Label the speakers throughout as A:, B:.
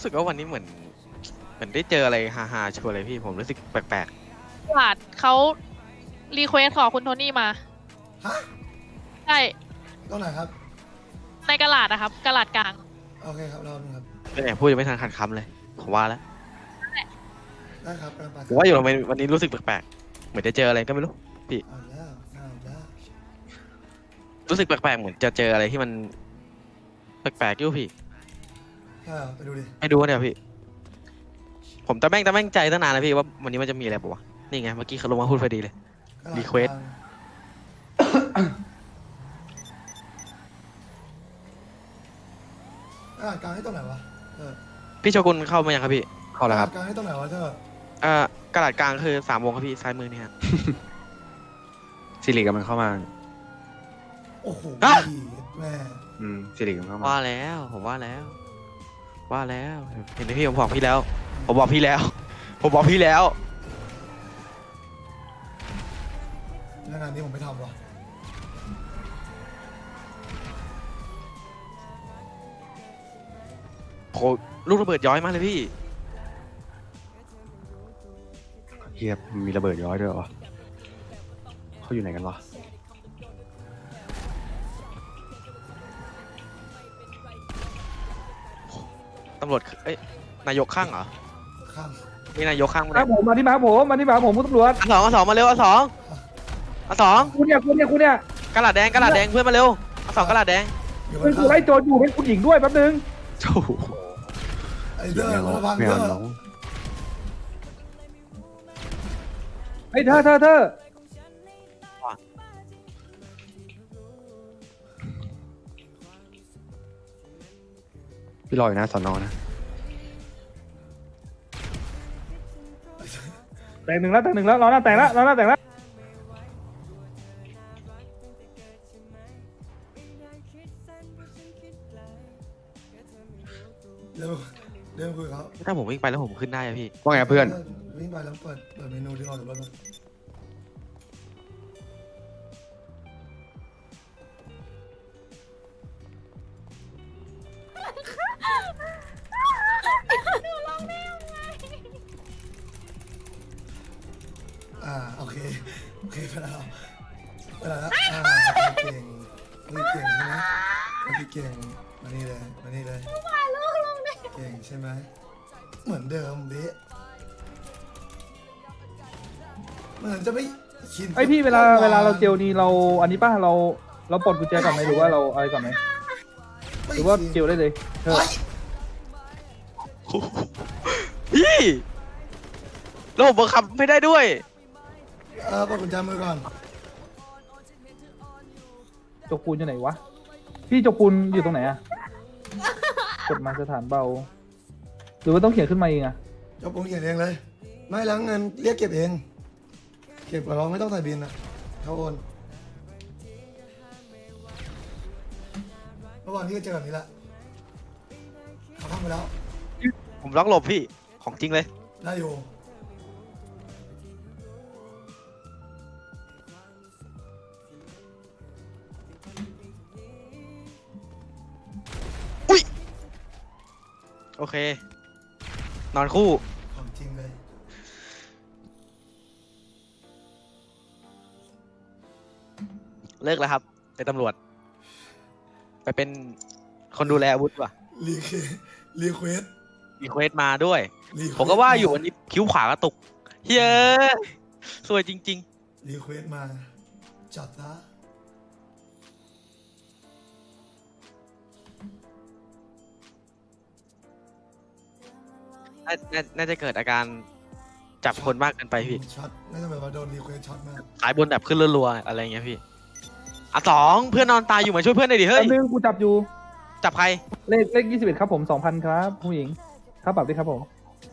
A: รู้สึกว่าวันนี้เหมือนได้เจออะไรฮาๆชัวร์เลยพี่ผมรู้สึกแปลก
B: ตลาดเขารีเควสขอคุณโทนี่มา
C: ฮะ
B: ใช่
C: ตรงไหนครับ
B: ในกะลาดนะครับกะลาดกลาง
C: โอเคครับรอบนึงครับ
A: ๆเนี่ยพูดยังไม่ทันขัดคำเลยผมว่าแล้ว
C: ได้ครับกำลังไปค
A: ผ
C: รับ
A: มว่าอยู่ทำไมวันนี้รู้สึกแปลกๆเหมือนจะเจออะไรก็ไม่รู้พี่
C: เอาแล้วเอาแล้ว
A: รู้สึกแปลกๆเหมือนจะเจออะไรที่มันแปลกๆอยู่พี่
C: ไปดูดิ
A: ไม่ดูเนี่ยพี่ ผมตะแม่งใจตั้งนานแล้วพี่ว่าวันนี้มันจะมีอะไรปะวะนี่ไงเมื่อกี้เขาลงมาพูดพอดีเลย Request
C: กลางให้ตรงไหนวะ
A: พี่โชกุนเข้ามายังครับพี่
D: เข้าแล้วครับ
C: กลางให้ตรงไหนวะเธอก
A: ระดาษกลางคือ3 วงครับพี่ซ้ายมือเนี่ยฮะ
D: สิริกำลังเข้ามา
C: โอ้โห
A: อ่ะ
C: แม่
D: สิริกำลังเข้ามา
A: ว่าแล้วผมว่าแล้วเห็นไหมพี่ผมบอกพี่แล้ว ผมบอกพี่แล้ว
C: แล้วงานนี้ผมไม่ทำวะ
A: โหลูกระเบิดย้อยมากเลยพี่
D: เฮียมีระเบิดย้อยด้วยเหรอเขาอยู่ไหนกันวะ
A: ตำรวจเอ้ยนายกข้างเหรอ
C: ข้าง
A: มีนายกข้างมั้ย
E: มาผมมาที่มาผมมาที่มาผมคุณตำรวจ
A: อันสองมาเร็วอันสอง
E: คุณเนี่ย
A: กระดาษแดงเพื่อนมาเร็วอันสองกระดาษแดง
C: อยู่บ
E: เป็น
C: น
E: กู
C: ข้าง
E: ไล่โจรอยู่เป็นคุณหญิงด้วยแป๊บนึง
D: โอ้โห
C: ไอ้เด้อคนละพัง
D: ไม่
C: เด้
D: เอา
C: อ
D: น้อง
E: ไอ้ยเธอ
D: พี่รออยู่นะสอนอนะ
E: แต่งหนึ่งแล้วรอหน้าแต่งแล้ว
C: เร็วเร็วคุยกับเขา
A: ถ้าผมวิ่งไปแล้วผมขึ้นได้อะพี่
D: ว่าไงเพื่อน
C: วิ่งไปแล้วเปิดเมนูที่ออกจากรถมา โอเคไปแล้วเก่งเก่งใช่ไหมเก่งมานี่เลยเก่งใช่ไหมเหมือนเดิมเบ๊ะเหมือนจะไม่ชิน
E: ไอ้ยพี่เวลาเราเจลนี่เราอันนี้ป่ะเราปลดกุญแจก่อนไหมหรือว่าเราอะไรก่อนไหมหรือว่าเจลได้เลยเธอ
A: พี่แล้วผมบังคับไม่ได้ด้วย
C: ปลดกุญแจมือก่อน
E: โจกูนอยู่ไหนวะพี่โจกูนอยู่ตรงไหนอะกดมาสถานเบา หรือว่าต้องเขียนขึ้นมาเองอะ
C: เจ้าปุ้งเขียนเองเลย ไม่ล้างเงินเรียกเก็บเอง เก็บกับเราไม่ต้องใส่บินนะเขาโอนเมื่อวานพี่ก็เจอแบบนี้แหละเขาทำไปแล้ว
A: ผมล็อกหลบพี่ของจริงเลย
C: ได้อยู่
A: โอเค นอนคู่
C: ของจริงเลย
A: เลิกแล้วครับเป็นตำรวจ ไปเป็นคนดูแลอาวุธว่ะ
C: รีรีเควส
A: รีเควสมาด้วย ผมก็ว่าอยู่วันนี้คิ้วขวากระตุกเฮ้ยสวยจริง
C: รีเควสมาจัดซะ
A: ๆน่าจะเกิดอาการจับคนมากเกินไปพี่
C: ช็อตน่าจะแบบว่าโดนรีเควสช็อตมาก
A: สายบนแบบขึ้นรัวๆอะไรเงี้ยพี่อ่ะสองเพื่อนนอนตายอยู่มาช่วยเพื่อนหน่อยดิเฮ้
E: แป๊
A: ย
E: บนึงกูจับอยู่
A: จับใคร
E: เลข21ครับผม2,000ครับผู้หญิงค่าปรับด้วยครับผม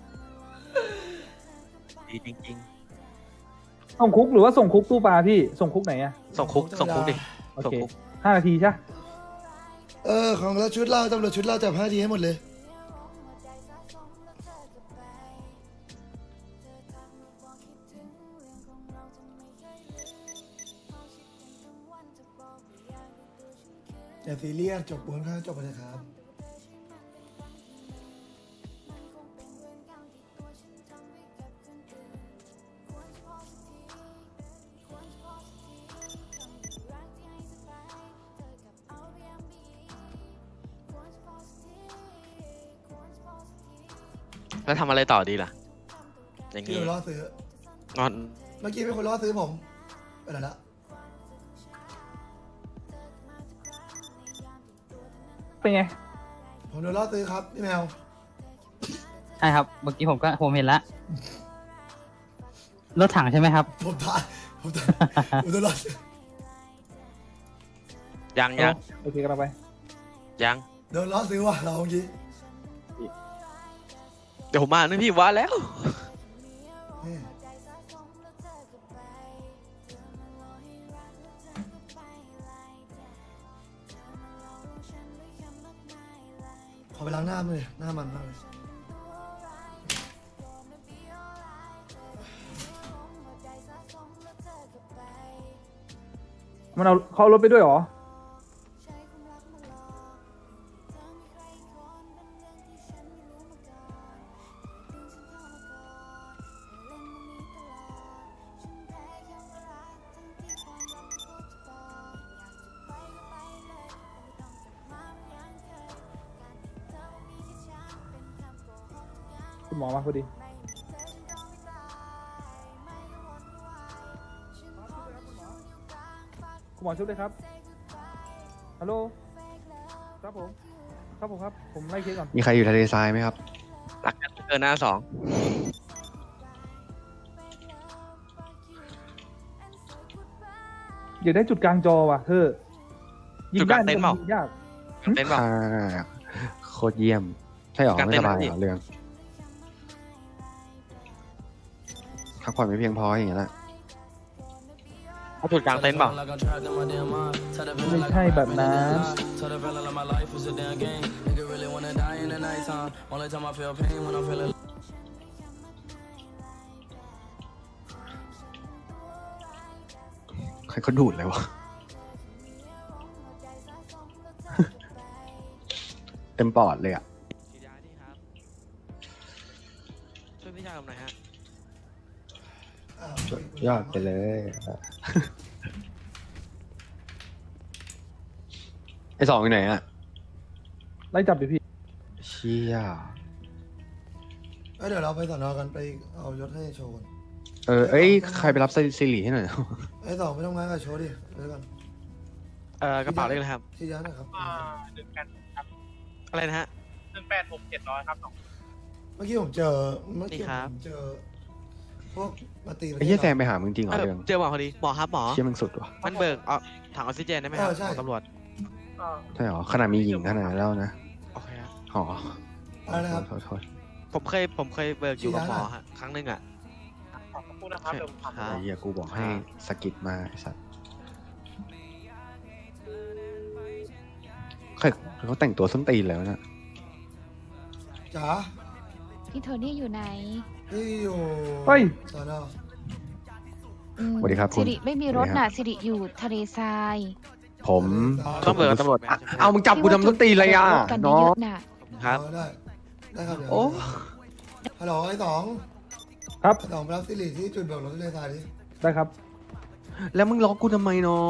A: ดีจริง
E: ส่งคุกหรือว่าส่งคุกตู้ปลาพี่ส่งคุกไหนอะ
A: ๆ ส่งคุกดิ
E: โอ
A: ส่ง
E: เค
A: คุก
E: 5 นาทีใช่
C: ของเราชุดเราตำรวจชุดเราจับ5 ทีให้หมดเลย อย่าซีเรียสจบปูนข้างจบไปเลยครับ
A: แล้วทำอะไรต่อดีล่ะ อย่าง
C: พี่
A: งี้
C: ไปล่อซื้อ
A: งอน
C: เมื่อกี้มีคนล่อซื้อผมไปไหนละ
E: เป็นไง
C: ผมโดนล่อซื้อครับพี่แมว
F: ใช่ครับ เมื่อกี้ผมเห็นแล้วรถถังใช่ไหมครับ
C: ผมโดนล่อซื้อ
A: ยัง
E: โอเคกันไป
A: ยัง
C: โดนล่อซื้อว่ะเราเมื่อกี้
A: เดี๋ยวผมมานะพี่ว่าแล้ว
C: นี่ขอไปล้างหน้าเลยหน้ามันมากเลย
E: มันเอาเขาเอารถไปด้วยเหรอ คุณหมอมาพอดี คุณหมอชุบเลยครับ ฮัลโหล ครับผม ครับผมครับ ผมไล่เคสก่อน
D: มีใครอยู่ทะเลทรายไหมครับ
A: รักกันเกินหน้าสอง
E: อยากได้จุดกลางจอว่ะเธอยิงได้ยิงยาก
A: เต้นเปล่า
D: โคตรเยี่ยม ใช่หรอ
A: การ
D: ไม่
A: เต้
D: ส
A: น
D: บาย
A: ไหม
D: เหรอเรื่องพักผ่อนไม่เพียงพออย่างเงี้ยแหละ
A: เอาจุดกลางเต้นเปล่า
E: ไม่ใช่แบบนั้น
D: ใครเขาดูดเลยวะ เต็มปอดเลยอ่ะ
A: ฉีดยาดิครับ ช่วยพี่ชายผมหน่อยฮะ
D: ยอดไปเลย ไอสองอยู่ไหนอ่ะ
E: ไล่จับดิพี่
D: เชี่ย
C: เดี๋ยวเราไปสอนอกันไปเอายศให้โชว์ก่อน
D: เอ้ย ใครไปรับซิริให้หน่อย
C: ไอ้ต่อไม่ต้องงานกับโชว์ดิเดี๋ยวก่อน
A: กระเป๋าเลขอะไรครับ
C: ที่ยันนะครับ
A: อะไรนะฮะ
C: เมื่อกี้ผมเจอเมื่อกี้
A: นี่ครับ
C: ผมเจอพวกมาตี
D: ไอ้เหี้ยแซมไปหามึงจริงเหรอเรื่อง
A: เจอหมอพอดี หมอครับหมอ
D: เชี่ยมึงสุดว่ะ
A: มันเบิกถังออกซิเจนได้ไหมครับของตำรวจ
D: ใช่หรอ ขนาดมีหญิงขนาดนั้นแล้วนะ
A: โอเคครับ
D: อ๋อ
C: อะไรนะครับ
D: โทษ
A: ผมเคยเบิกอยู่กับหมอฮะ ครั้งหนึงอ่ะ
G: นะครับเดี๋ยวผม
A: ครั
D: ไอ้
A: บ
D: เหี้ยกูบอกให้สกิดมาไอ้สัตว์เขาแต่งตัวส้นตีนแล้วนะ
C: จ๋า
H: พี่โทนี่อยู่ไหน
C: ที่อยู่
E: เฮ้ย
C: สอนอ
H: อืม
D: สวัสดีครับคุ
H: สิ
D: ณ
H: ริไม่มีรถน่ะสิริอยู่ทะเลทราย
D: ผม
A: ต้องเบิกกับตำรวจไหม
D: เอามึงจับกูทำส้นตีนเลยอ่ะ
H: รถกัน
D: น้อ
H: เย
D: ง
H: อะๆน่ะ
A: ครับ
C: ได้ได้ครับเดี๋ยว
D: โอ้
C: ฮัลโหลไอ้สอง
E: ครับ
C: ไอ้สองไปรับสิริที่จุดเบิกรถที่เลทรายดิ
E: ได้ครับ
D: แล้วมึงล็อกกูทำไมน้อง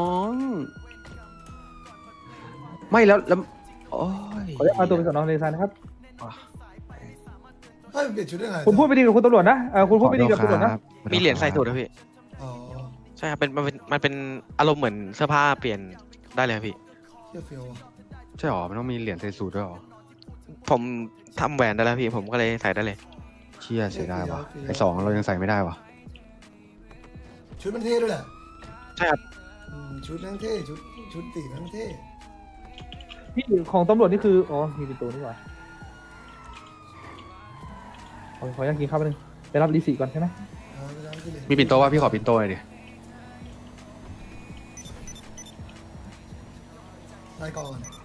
D: ไม่แล้วโอ้ย
E: ขอเอาตัวไปสอนอทะเลทรายนะครับ
C: เฮ้ยเปลี่ยนชุดได้ไง
E: คุณพูดไปดีกับคุณตำรวจนะคุณพูดไปดีกับตำรวจนะ
A: มีเหรียญใส่สูตรครับพี่
C: อ๋อ
A: ใช่ครับมันเป็นอารมณ์เหมือนเสื้อผ้าเปลี่ยนได้เลยครับพี่
C: เชี่ยเฟียวอ่ะ
D: ใช่หรอ มันต้องมีเหรียญใส่สูตรด้วยหรอ
A: ผมทำแหวนได้แล้วพี่ ผมก็เลยใส่ได้เลย
D: เชี่ยเสียดายวะไอสองเรายังใส่ไม่ได้วะ
C: ชุดมันเท่ด้วยแหละ
A: ใช่ครับ
C: ชุดนั่งเท่ชุดสีนั่งเท่
E: พี่ของตำรวจนี่คือ อ๋อ มีเป็นตัวนี่หว่าขออยากกินข้าวแป๊บนึง ไปรับรีสีก่อนใช่ไหม
C: ไปรับสิริ
D: มีปิ่นโตว่าพี่ขอปิ่นโตหน่อยดิ
C: รายก่อน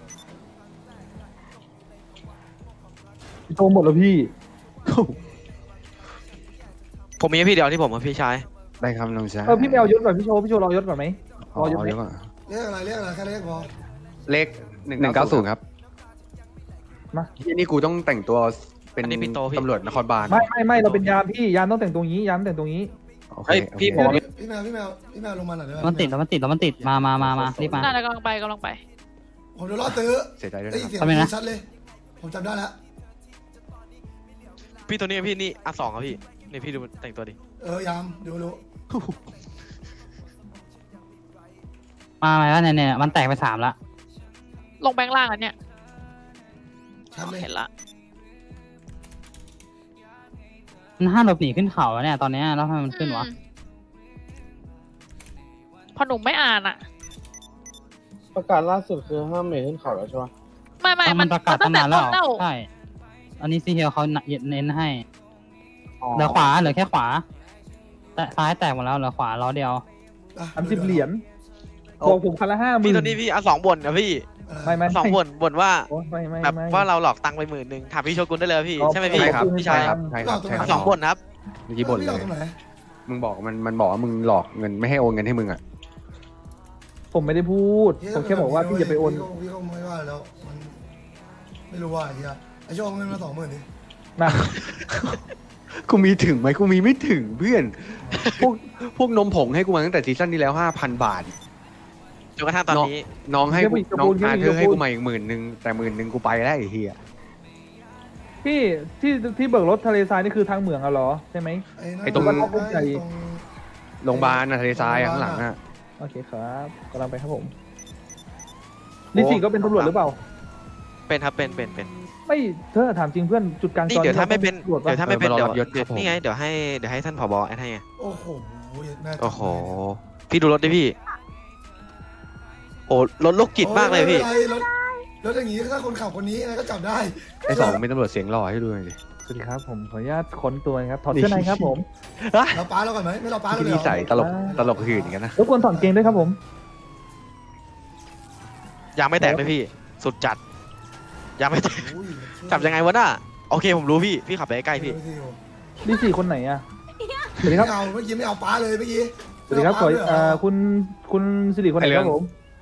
E: โทรหมดแล้วพี่
A: ผมมีให้พี่เดียวที่ผมกับพี่ชาย
D: ได้ครับน้องชาย
E: พี่ไม่เอายศก่อนพี่โชว์รอยศก่อนไหม
D: อ๋อ
E: รอยศไหม
D: เดี๋ยวก่อน
C: เรียกอะไรแค่เรียกพอ
D: เลข190ครับ
E: มา
D: ที่นี่กูต้องแต่งตัวเป็น
A: อันนี้ปิ่นโตพี่
D: ตำรวจนครบาล
E: ไม่เราเป็นยามพี่ยามต้องแต่งตรงนี้ยามแต่งตรงนี้
D: โอเค
A: เฮ้ย
D: โอเค
A: พี่ผมว่า
C: พี่แมวลงมาหน่อยได้ไหม
F: มันติดแล้วมันติด มารีบมา
B: น่าจะกำลังไป
C: ผมโดนล่อซื้อ
D: เสียใจด้วย
C: ได้
D: นะ
C: ยิน
D: ครับ
C: เสียง
F: ทำไมนะ
C: ชัดเลย ผมจำได้แล้ว
A: พี่ตัวนี้พี่นี่อ่ะ2ครับพี่นี่พี่ดูมันแต่งตัวดิ
C: ยามดูรู้
F: มาไหมว่าเนี่ยมันแตกไป3ละ
B: ลงแบงค์ล่างอันเนี้ย
C: ชัดเลย
B: เห็นละ
F: มันห้ามหลบหนีขึ้นเขาแล้วเนี่ยตอนเนี้ยแล้วทำไมมันขึ้นวะ
B: พอหนุ่มไม่อ่านอ่ะ
G: ประกาศล่าสุดคือห้ามเมย์ขึ้นเขาแล้วใช่ปะ
B: ไม่
F: มันประกาศ
B: ตั้
F: ตั้
B: ง
F: ง
B: แต่
F: นาน
B: ต้
F: แล้
B: น
F: ว
B: เล่า
F: ใช่อันนี้ซีเฮียเขาเน้นให้เหลือขวาเหลือแค่ขวาแต่ซ้ายแตกหมดแล้วเหลือขวาล้อเดียว
E: 30 เหรียญบอกผมคันละ50,000
A: พี่ตัวนี้พี่อ่ะ2บ่นนะพี่
E: ไม่
A: 2บ่นว่า
E: โอ้ไม่
A: แบบว่าเราหลอกตังค์ไป10,000ถามพี่โชกุนได้เลยพี่ใช่ไหมพี่
D: ใช่ครับ
A: พี่
D: ใช่
A: ชาย
D: ครับใช่ครับใช่ครับ
A: 2บ่นครับ
D: เมื่อกี้บ่น
C: พี่
D: เล
C: เรา
D: ย
C: ตรงไหน
D: มึงบอกมันบอกว่ามึงหลอกเงินไม่ให้โอนเงินให้มึงอ่ะ
E: ผมไม่ได้พูด ผมแค่บอกว่าพี่อย่าไปโอน
C: พี่ก็ไม่ว่าแล้วมันไม่รู้ว่าไอ้เหี้ยไอ้โชคเงินมา20,000ดิ
E: นะ
D: กูมีถึงไหมกูมีไม่ถึงเพื่อน พวกนมผงให้กูมาตั้งแต่ซีซั่นที่แล้ว 5,000 บาท
A: จนกระทั่งตอนนี้
D: น้องให้กู
E: เดี๋ยว
D: น้อง
E: เดี๋ยว
D: อา
E: เดี๋ยว
D: เธอร์ให้กูมาอีก10,000แต่10,000กูไปแล้วไอ้เหี้ย
E: พี่ที่เบิกรถทะเลทรายนี่คือทางเหมืองอะเหรอใช่ไหม
C: ไอ้
E: ตรง
D: โรงพยาบาลนะทะเลทรายอะข้างหลังอ่ะ
E: โอเคครับกำลังไปครับผมลิซี่ก็เป็นตำรวจหรือเปล่า
A: เป็นครับเป็น
E: ไม่เธอถามจริงเพื่อนจุดกลาง
A: นี่
E: จอ
A: เดี๋ยวถ้าไม่เป็น
E: ตำรวจปะ
A: เดี๋ยวถ้าไม่เป็น
D: เออ
A: เดี๋ยว
D: มารอรับยศครับผม
A: นี่ไงเดี๋ยวให้ท่านผบแอดให้ไง
C: โอ้โหแม่
A: โอ้โหพี่ดูรถดิพี่โอ้รถโรคจิตมากเลยพี่
C: รถอย่างงี้ถ้าคนขับคนนี้ก็จับได้
D: ไอ้สองเป็นตำรวจเสียงหล่อให้ดูหน่อยดิ
E: สวัสดีครับผมขออนุญาตค้นตัวนะครับถอดเสื้อในครับผม
C: เราป้าเราก่อนไหมไม่เราป้าเรา
D: ที่
C: เลย
D: นี่
C: เหรอ
D: ใส่ตลกหื่นกันนะ
E: รบกวนถอดเกงด้วยครับผม
A: ยางไม่แตกเลยพี่ สุดจัดยางไม่แตก
C: อุ้ย
A: จับยังไงวะน่ะโอเคผมรู้พี่ขับไปใกล้ๆพี่
E: ลิซี่คนไหนอะสวัสดีครับ
C: ไม่เอาเมื่อกี้ไม่เอาป้าเลยเมื่อกี้
E: สวัสดีครับขอคุณสิริคนไหนครับผม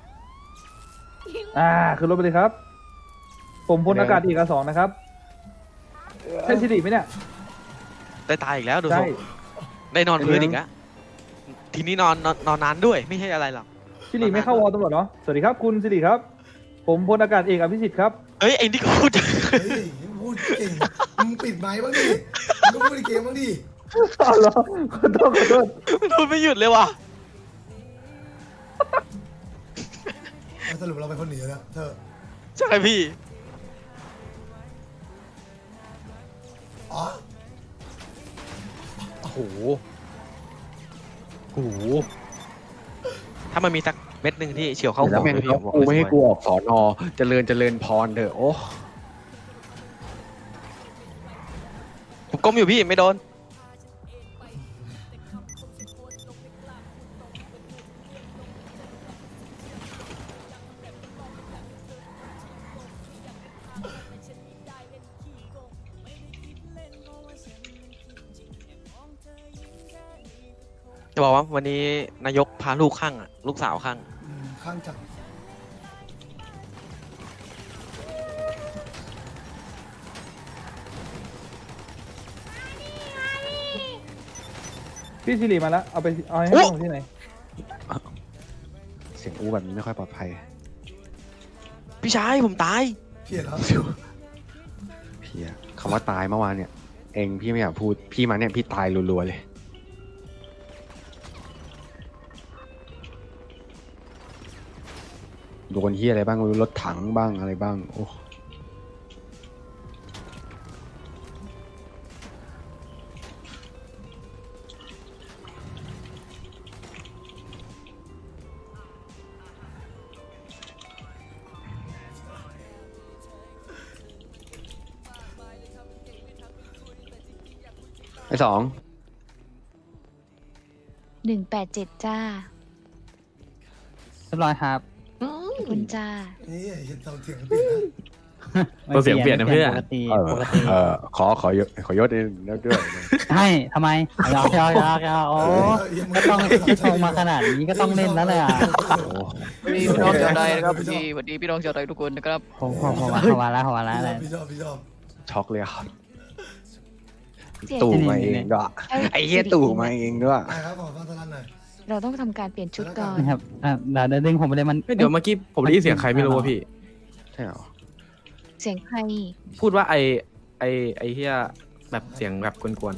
E: ขึ้นรถไปเลยครับ ผมพลอากาศเอกสองนะครับใช่สิริไหมเนี่ย
A: ได้ตายอีกแล้วดูท
E: ใช่
A: รงได้นอนพื้นอีกแล้วทีนี้นอนนานด้วยไม่ใช่อะไรหรอก
E: สิริไม่เข้าวอตำรวจเนาะสวัสดีครับคุณสิริครับ ผมพลอากาศเอกอภิสิทธิ์ครับ
A: เอ้ยไอ้นี่ก็พูด
C: เฮ้ยพูดเก่งมึงปิดไมค์บ้างดิมึงก็พูดในเกมบ้างดิ
E: อ๋อเหรอขอโทษ
A: พูดไม่หยุดเลยว่ะ
C: สรุปเราเป็นคนหนีแล้วเธอ
A: ใช่พี่
C: อ๋อ
D: โอ้โห
A: ถ้ามันมีสักเม็ดหนึ่งที่เฉียวเข้า
D: แล้ว
A: หัว
D: แม่ง
A: พี่
D: เขากูไม่ให้กูออกสอนอเจริญพรเถอะโอ้
A: ผมก้มอยู่พี่ไม่โดน จะบอกว่าวันนี้นายกพาลูกข้างอ่ะ ลูกสาวข้าง
C: ข้างจับ
E: พี่สิริมาแล้วเอาให้
A: โอ้
E: ผมที่ไหน
D: เสียงอู้แบบนี้ไม่ค่อยปลอดภัย
A: พี่ชายผมตาย
C: เพี้ยนแล้ว
D: เพียคำว่าตายเมื่อวานเนี่ย เองพี่ไม่อยากพูดพี่มาเนี่ยพี่ตายรัวๆเลยโดนเฮียอะไรบ้างไม่รู้รถถังบ้างอะไรบ้างโอ้ ไอ้สอง
H: 187 จ้า
F: เรียบร้อยครับ
H: ขอบคุณจ้า
C: นี่เห็นเสียงเปลี่ยนนะ
F: เสียงเปลี่ยนนะเพื่อนปกติปกติ
D: ขอยศด้วย
F: ใช่ทำไมยาวโอ้ก็ต้องชงมาขนาดนี้ก็ต้องเล่นแล้วแหละ
C: พี่น้องชาวไทยนะครับ
B: สวัสดีพี่น้องชาวไทยทุกคนนะครับ
F: ผมมาแล้วอะไร
C: พี่ชอบ
D: ช็อกเลยครับ
H: เสียง
D: ตู่มาเองด้วยไอ้เหี้ยตู่มาเองด้วย
C: ไปครับขอฟังสลันหน่อย
H: เราต้องทำการเปลี่ยนชุดก่อน
F: นะครับเดี๋ยวดึงผมไปเลยมัน
I: เดี๋ยวเมื่อกี้ผมได้ยินเสียงใครไม่รู้ว่าพี่
D: ใช่เหรอ
H: เสียงใคร
I: พูดว่าไอเฮียแบบเสียงแบบกวน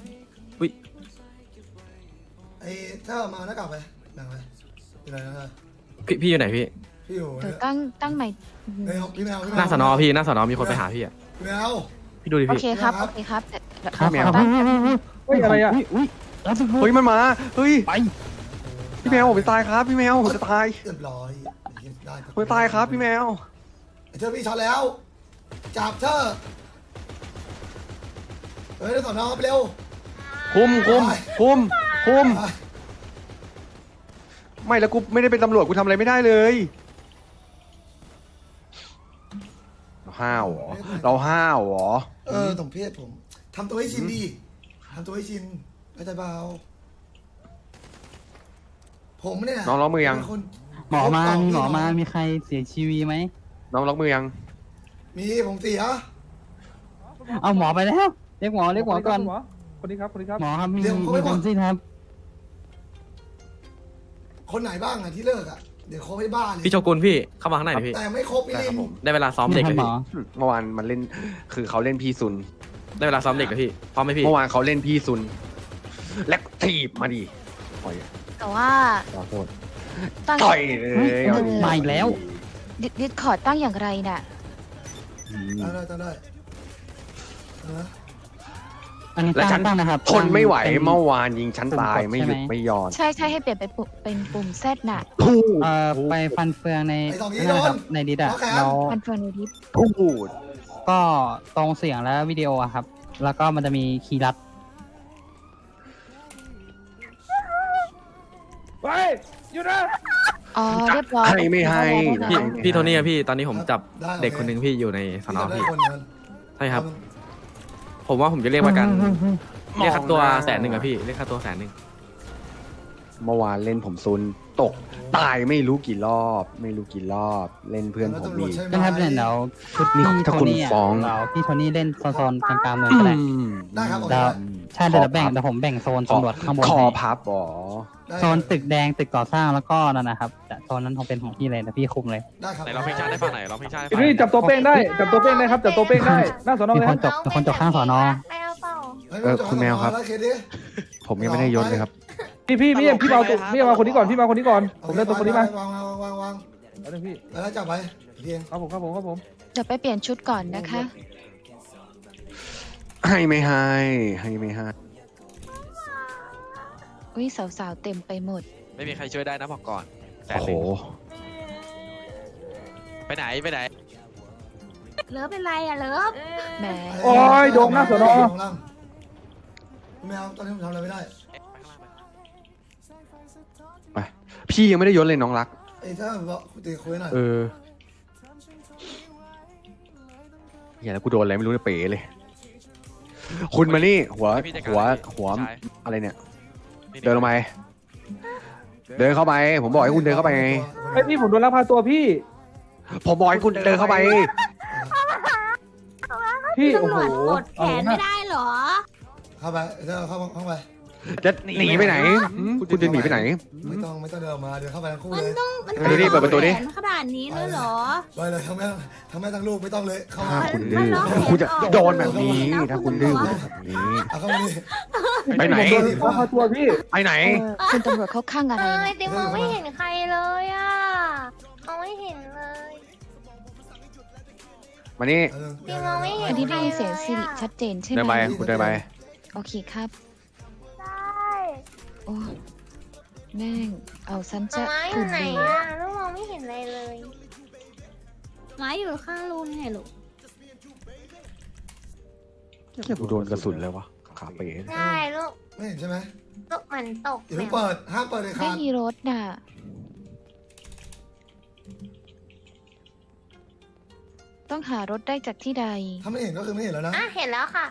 C: ไอ้ถ้าเอามาหน้ากากไปแบ่งไปอยู่ไหนนะ
I: ๆพี่อยู่ไหนพี่
C: พี่อยู่
H: เดี๋ยวตั้งใหม่
C: เฮ้ยพี่แมว
I: หน้าสนอพี่หน้าสนอมีคนไปหาพี่อ่ะ
C: พี่แมว
I: พี่ดูดิ
H: โอ
I: พี่
H: เคครับ
C: ครั
H: โอบ เคครับแต่
D: ครับแมว
H: ตั้ง
E: เฮ้ยอะไรอ่ะ
F: อุ้ยรับสิบ
D: เฮ้ยมันมาเฮ้ย
F: ไป
D: พี่แมวผมจะตายครับพี่แมวผมจะตาย
C: เรียบร้อยได้
D: ผมจะตายครับพี่แมว
C: ไอ้เธอพี่ช็อตแล้วจับเธอเฮ้ยได้สอนอไปเร็ว
D: คุมไม่แล้วกูไม่ได้เป็นตำรวจกูทำอะไรไม่ได้เลยเราห้าวเหรอ
C: สมเพศผมทำตัวให้ชินดีทำตัวให้ชินเข้าใจเปล่าผมเนี่ย
D: น้องล็อกมือยัง
C: เป็นคน
F: หมอมามีหมอมามีใครเสียชีวิตไหม
D: น้องล็อกมือยัง
C: มีผมเสีย
F: เอาหมอไปแล้วเรียกหมอก่อน
E: คนนี้ครับคนนี้ครับ
F: หมอครับมีคนสิ้นครับ
C: คนไหนบ้างอ่ะที่เลิกอ่ะเดี๋ยวครบให้บ้าเลย
I: พี่โชกุนพี่เข้ามาข้างในหน่อยพี่
C: แต่ไม่ครบพี่
D: ได้
C: ลิ
D: ครับ
C: น
D: ผม
I: ได้เวลาซ้อมเด็ก
F: ท่า
I: แล้ว
F: นหม
I: พี่
F: อ
D: เมื่อวานมันเล่นคือเขาเล่นพี่ซุน
I: ได้เวลาซ้อมเด็กแล้วพี่พร้อมไหมพี่
D: เมื่อวานเขาเล่นพี่ซุน และถีบมาดิต่อย
H: แต่ว่า
D: ขอโทษ
H: ตั้ง
D: ต่อยเลย
F: มาอีกแล้ว
H: ดิสคอร์ดตั้งอย่างไรน่ะ
C: ได้นะ
F: อันนี้
D: และฉัน
F: ตั้งนะครับ
D: ทนไม่ไหว
F: เป็น
D: เมื่อวานยิงฉันตาย
F: ปุ่มกด
D: ไม่หยุด
F: ใช่ไหม
D: ไม่หย่อน
H: ใช่ให้เปลี่ยนเป็นปุ่มแซดน่ะ
D: พูด
F: ไปฟันเฟืองใน
C: ไอ้สองนี้
F: นั่นนะครับ
C: โดน
F: ในดิสอะ
C: โอเค
F: แล้ว
H: มันเฟิร์นดิฟ
D: พูด
F: ก็ตรงเสียงและวิดีโออะครับ แล้วก็มันจะมีคีย์ลัด
E: ไปอยู่นะ
H: อ๋อเรียบร้อย
D: ให้ไม่ให้
I: พี่โทนี่อะพี่ตอนนี้ผมจับเด็กคนหนึ่งพี่อยู่ในสนอ
C: พี่
I: พี่
C: คนนั้น
I: ใช่ครับ ผมว่าผมจะเรียกประกันเรียกค่าตัว100,000อะพี่เรียกค่าตัว100,000
D: เมื่อวานเล่นผมซุนตกตายไม่รู้กี่รอบ เล่นเพื่อนผมอีก
F: ก็ครับเนี่ยเดี๋ยวชุด
D: นี่
F: พี่
D: ถ้า
F: โท
D: คุณ
F: นี่อะ
D: ฟ้อง
F: เราพี่โทนี่เล่นโซนๆกลางๆเมืองก็ได้
C: ได้ครับโอเค
F: เดี๋ยวใช่เดี๋ยวเดี๋ยวผมแบ่งโซนตำรวจข้างบน
D: คอ
F: ให้
D: พับอ๋อ
F: โซนตึกแดงตึกก่อสร้างแล้วก็นั่นนะครับแต่โซนนั้นคงเป็นของพี่เลยนะพี่คุมเลย
C: ได้ครับ
A: ไหนเราเพลงชาติได้ฟังไหนเราเพลงชาติได้ฟัง
E: พี่จับตัวเป้งได้จับตัวเป้งได้ครับจับตัวเป้งได้หน้าสอนอ
F: มี
E: เลย
F: คนจบมีคนจบข้างสอนอ
H: ไม่เอาเปล่า
D: คุณแมวครับ ผมยังไม่ได้ยศเลยครับ
E: พี่มาตัวพี่มาคนนี้ก่อนพี่มาคนนี้ก่อนผมได้ตัวคนนี้มาว
C: าง
E: เอาเลยพี่
C: แล้วจับไปเพียง
E: ครับผม
H: เดี๋ยวไปเปลี่ยนชุดก่อนนะคะ
D: ให้ไม่ให้
H: อุ้ยสาวๆเต็มไปหมด
A: ไม่มีใครช่วยได้นะบอกก่อนแสน
D: โอ้
A: ห
D: โห
A: นึ่งไปไหน
H: เลิฟเป็นไรอะเลิฟแหม
E: โอ้ยโดมหน้าสอนอ
C: แมวตอนนี้ผมทำอะไรไม่ได้
D: ไปพี่ยังไม่ได้ยศเลยน้องรัก
C: ไอ้ถ้าบอกคุยหน่อย
D: อย่าแล้วกูโดนอะไรไม่รู้เลยเป๋เลย คุณมานี่หัว
A: พี่จัดการเลยพี่ชาย
D: อะไรเนี่ย เดินลงไปเดินเข้าไป ผมบอกให้คุณเดินเข้าไปไง
E: ไอพี่ผมโดนลักพาตัวพี่
D: ผมบอกให้คุณเดินเข้าไป
E: พี่โอ้โห
H: แขนไม่ได้เหรอ
C: เข้าไปเดินเข้าไป
D: จะหนีไปไหนคุณจะหนีไปไหน
C: ไม่ต้องเดินออกมาเดินเข้าไปทั้งคู่เลย
D: เดี๋ยวนี่เปิดประตูดิ
H: ขนาดนี้เลยเหรอ
C: ไปเลยทั้งแม่ทั้งลูกไม่ต้องเลยเข้ามา
D: ถ้าคุณดื้อคุณจะโดนแบบนี้ ถ้าคุณดื้อคุณแบบนี้
C: เอาเข้ามาดิ
D: ไปไหน
E: ผมโดนลักพาตัวพี่
D: ไปไหน
H: คุณตำรวจเขาข้างอะไรนะ
C: ติมองไม่เห็น
H: ใครเลยอ่ะมองไม่เห็นเลย
D: มานี่
H: อันนี้ได้ยินเสียงสิริชัดเจนใช่ไหม
D: เดินไปคุณเดินไป
H: โอเคครับโอ้แม่งเอาซันจะถุนเลย
J: ลูกมองไม่เห็นอะไรเลยไม้อยู่ข้างรูนไงลูก
D: แค่กูโดนกระสุนเลยวะขาเป๋
J: ใช่ลูก
C: ไม่เห็นใช่ไหม
J: ลูกมันตก
C: อย่าเพิ่งเปิดห้ามเปิดเลยค
H: ไม่
C: รับ
H: มีรถน่ะ ต้องหารถได้จากที่ใด
C: ถ้าไม่เห็นก็คือไม่เห็นแล้วนะ
J: อ่ะเห็นแล้วค่ะ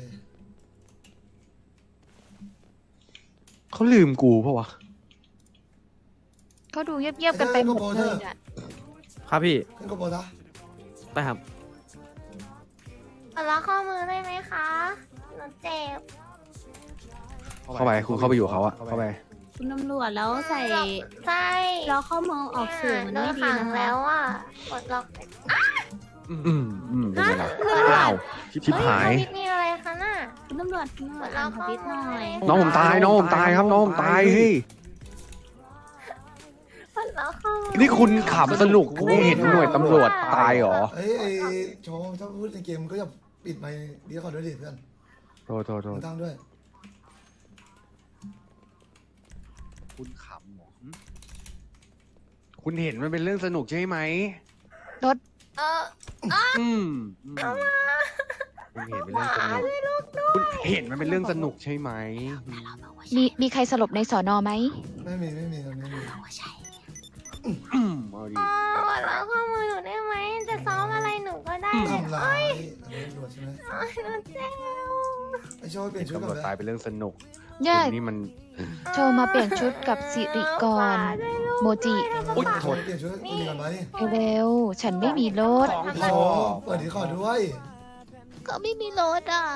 D: เขาลืมกูปะวะ
H: เขาดูเงียบๆกันไปหมดเลยน่ะ
I: ครับพี่
C: ขึ้นกระโปรงซะ
I: ได้ครับ
J: ขอล็อกข้อมือได้ไหมคะหนูเจ็บ
D: เข้าไปคุณเข้าไปอยู่เขาอะเข้าไป
J: คุณตำรวจแล้วใส่
H: ใช่
J: ล็อกข้อมือออกสื่อมัน
H: โด
J: ไม่
H: น
J: ดี
H: ขัง
J: นะคะ
H: แล้วอ่ะกดล็อก
D: เป็นไงล่ะอ้าวชิบหาย
J: เฮ้มีอะไรคะน่ะ
H: คุณตำรวจอ่านทวิตหน่อย
D: น้องผมตายน้องผมตายครับน้องผมตายเฮ้ย
J: เราเข้ามา
D: นี่คุณขำสนุกคุณเห็นหน่วยตำรวจตายเหรอ
C: ไอ้โชว์ถ้าพูดในเกมก็จะปิดไมค์ดีก่อนด้วยดิเพื่อน
D: โทษ
C: มึงตั้งด้วย
D: คุณขำเหรอคุณเห็นมันเป็นเรื่องสนุกใช่ไหม
J: เออ
D: อืมคุณเห็นเป็นเรื่องสนุกคุณเห็นมันเป็นเรื่องสนุกใช่ไหม
H: มีใครสลบในสอนอไหม
C: ไม่มีไม่มี
D: เอาดิ
J: เราเข้ามือหนูได้ไหมจะซ้อมอะไรหนูก็ได้
C: ทำร้ายอันนี้ตำรวจใช่ไหม
J: หนูเจ็บ
C: ไอ้โชว์เปลี่ยนชุด
D: ตำ
C: ก่
D: ร
C: อ
D: วน จ
C: เลย
D: ตายเป็นเรื่องสนุก
H: ย่า
D: คุณนี่มัน
H: โชว์มาเปลี่ยนชุดกับสิริกร โมจิ
D: อุ๊ยโทษ
C: เปลี่ยนชุดดีก่อนไหม
H: เร็วๆฉันไม่มีรถ
C: โชว์เปิดดีก่อนด้วย
H: ก็ไม่มีรถอ่ะ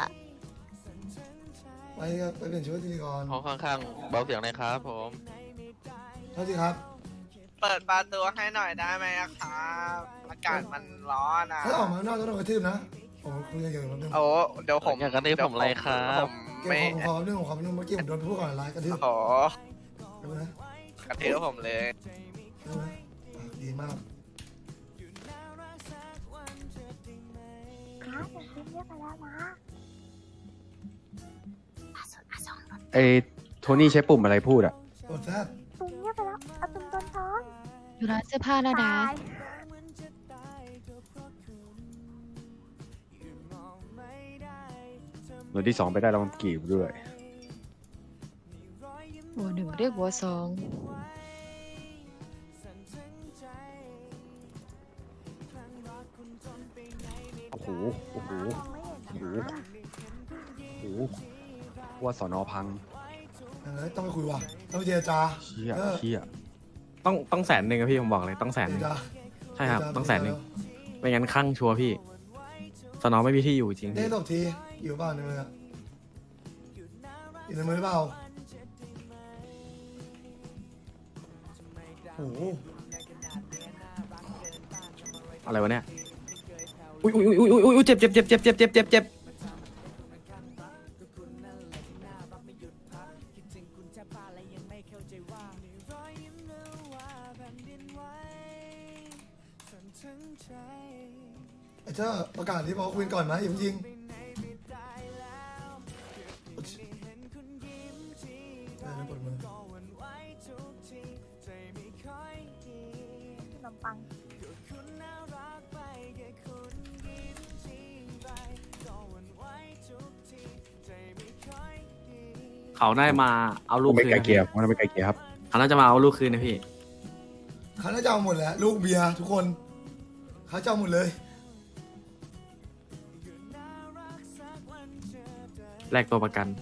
C: ไปเปลี่ยนชุดดีก่อน
A: ห้องข้างๆเบาเสียงหน่อยครับผม
C: เท่าที่ครับ
K: เปิดประตูให้หน่อยได้ไหมอะครับอากาศมันร้อนอะ
C: ถ้าออกมาข้างนอกต้องโดนกระทืบนะผมคุยกันอยู่แป๊บนึง
K: โอ้เดี๋ยวผม
A: อยากกระทืบผมอะไรครับ
K: ผม
C: เก็บ
K: ไม่
C: ของผมขอแป๊บนึงเมื่อกี้ผมโดนพูดก่อนไลน์กระทืบ
K: โอ้โห
C: ดูนะ
K: กระเทือผมเลย
C: ดูนะดีมาก
J: ครับแต่คุณเรียกไปแล้วนะ
D: ไอ้โทนี่ใช้ปุ่มอะไรพูดอ่ะ
C: กดแซด
J: ตุนเรียกไปแล้วเอาตุนโดนท้อง
H: อยู่ร้านเสื้อผ้าแล้วนะ
J: ตาย
D: หน่วยที่2ไปได้รางวัลกีบด้วย
H: หัวหนึ่งเรียกหัวสอง
D: โอ้โหว่าสอนอพัง
C: ต้องไปคุยว่ะต้องไปเจรจา
D: เชี่ย
C: เออ
D: เชี่ย
I: ต้อง100,000อะพี่ผมบอกเลยต้อง
C: เจร
I: 100,000
C: จา
I: ใช่ครับต้อง100,000ไม่งั้นคลั่งชัวร์พี่สนอไม่มีที่อยู่จริง
C: ได้
I: พี่
C: ตบทีอยู่เปล่าในมืออะอยู่ในมือหรือเปล่าโอ้โห
I: อะไรวะเนี่ยอุ้ยเจ็บ
C: ไอ้เจ้าประกาศที่บอกคุยก่อนไหมอย่าเพิ่งยิงปวดมือ
J: ขนมปัง
I: เขาน่าจะมาเอาลูก
D: ไม่
I: คืน
D: ไกล
I: นะ
D: เกลี่
I: พี่
D: ยมันไม่ไกลเกลี่ยครับ
I: เขาน่าจะมาเอาลูกคืนนะพี่
C: เขาน่าจะเอาหมดแหละลูกเบียร์ทุกคนเขาจะเอาหมดเลย
I: แลกตัวประกัน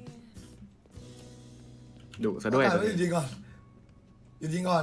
I: ดุซะด้วย
C: ประกาศไหยุดยิงก่อนหยุดยิงก่อน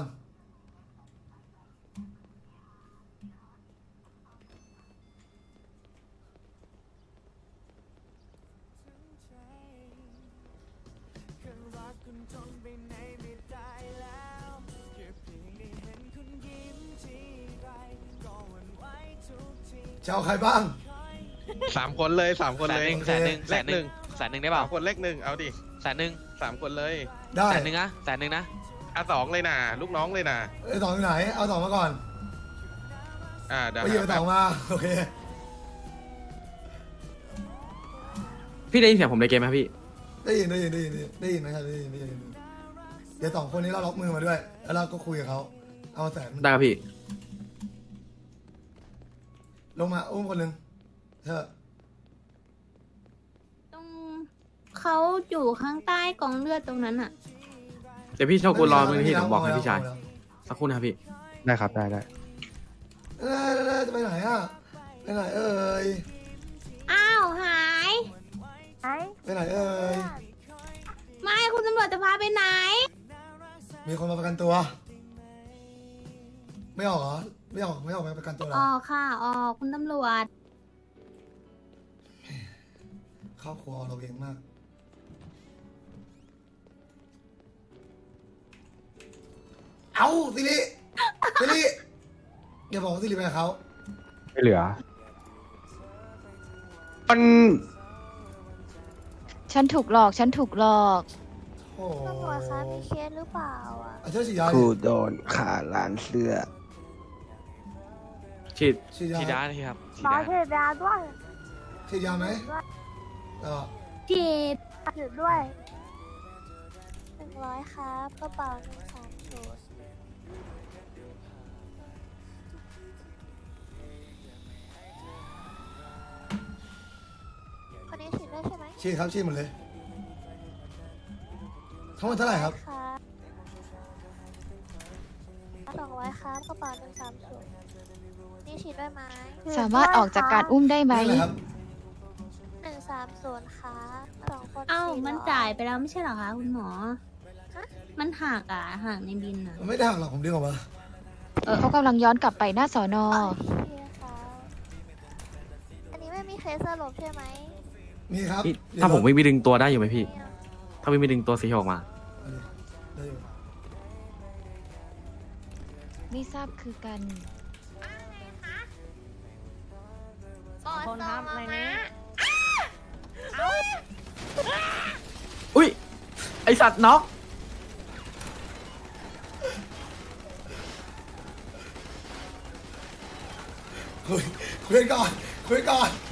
C: จะเอาใครบ้าง
A: 3 คนเลย3 คนเลย
C: แสนหนึ่ง
A: แสนหนึ่งได้เปล่า
K: คนเลขหนึ่งเอาดิ
A: แสนหนึ่ง
K: 3 คนเลย
C: ได้
A: แสนหนึ่งนะแสนหนึ่งนะ
K: 2เลยนะลูกน้องเลยนะ
C: ไอ้สองอยู่ไหน เอาสองมาก่อน
K: เดี๋ยว
C: ไปหยิบไอ้สองมา โอเค
I: พี่ได้ยินเสียงผมในเกมไหมครับพี่
C: ได้ยินไหมครับได้ยินเดี๋ยวสองคนนี้เราล็อกมือมาด้วย แล้วเราก็คุยกับเขาเอาแสน
I: ได้ครับพี่
C: ลงมาอุ้มคนหนึ่งเธอ
J: ตรงเขาอยู่ข้างใต้กองเลือดตรงนั้นอ่ะ
I: เดี๋ยวพี่โชกุนรอมือที่ผมบอกให้พี่ชายสักครู่นะครับพี่
D: ได้ครับได้
C: จะไปไหนอ่ะ ไปไหนเอ่ย
J: อ้าวหาย
C: ไปไหนเอ่ย
J: ไม่คุณตำรวจจะพาไปไหน
C: มีคนมาประกันตัว ไม่ออกเหรอ ไม่ออกมาประกันตัวเหรอ
J: ออกค่ะออกคุณตำรวจ
C: ครอบครัวเราเองมาก เอาสิริอย่าบอกว่าสิริไปกับเขา
D: ไม่เหลือ มัน
H: ฉันถูกหลอก ฉันถูกหลอก
C: โอ้
J: ตำรวจคะมีเคสหรือเปล่าอ่ะ
C: อาจารย์ฉีดยา
D: กูโดนขาร้านเสื้อ
I: ฉีด
C: ฉีดยา
A: ฉีดยาเลยครับฉีด
J: หมอย
A: า
J: ฉีดยาด้วย
C: ฉีดยาไหมเออ
J: ฉีดด้วย100ครับกระเป๋า130คนนี้ฉีดด้วยใช่ไหม
C: ฉีดครับฉีดหมดเลยทั้งหมดเท่าไหร่ครับ
J: ครับ200ครับกระเป๋า130นี่ฉีดด้วยไหม
H: สามารถออกจากการอุ้มได้ไหม
C: นี่อะไรครับ
J: 130ครับ2คน
L: เอ้า
J: 400
L: มันจ่ายไปแล้วไม่ใช่เหรอคะคุณหมอ
J: ฮะ
L: มันหักหักในบินอ่ะ
C: มันไม่ได้หักหรอกผมดึงออกมา
H: เขากำลังย้อนกลับไปหน้าสอนอ
J: โอเคครับอันนี้ไม่มีเคสสลบใช่ไหม
C: มีครับ
I: พี่ถ้าผมวิ่งไปดึงตัวได้อยู่ไหมพี่ ถ้าวิ่งไปดึงตัวสีเขียวออกมา
C: ได้อยู่
H: ไม่ทราบคือกัน
J: คนทำอะไรนะ
I: อุ้ย ไอสัตว์น็อก
C: คุยกันก่อนคุยกันก่อน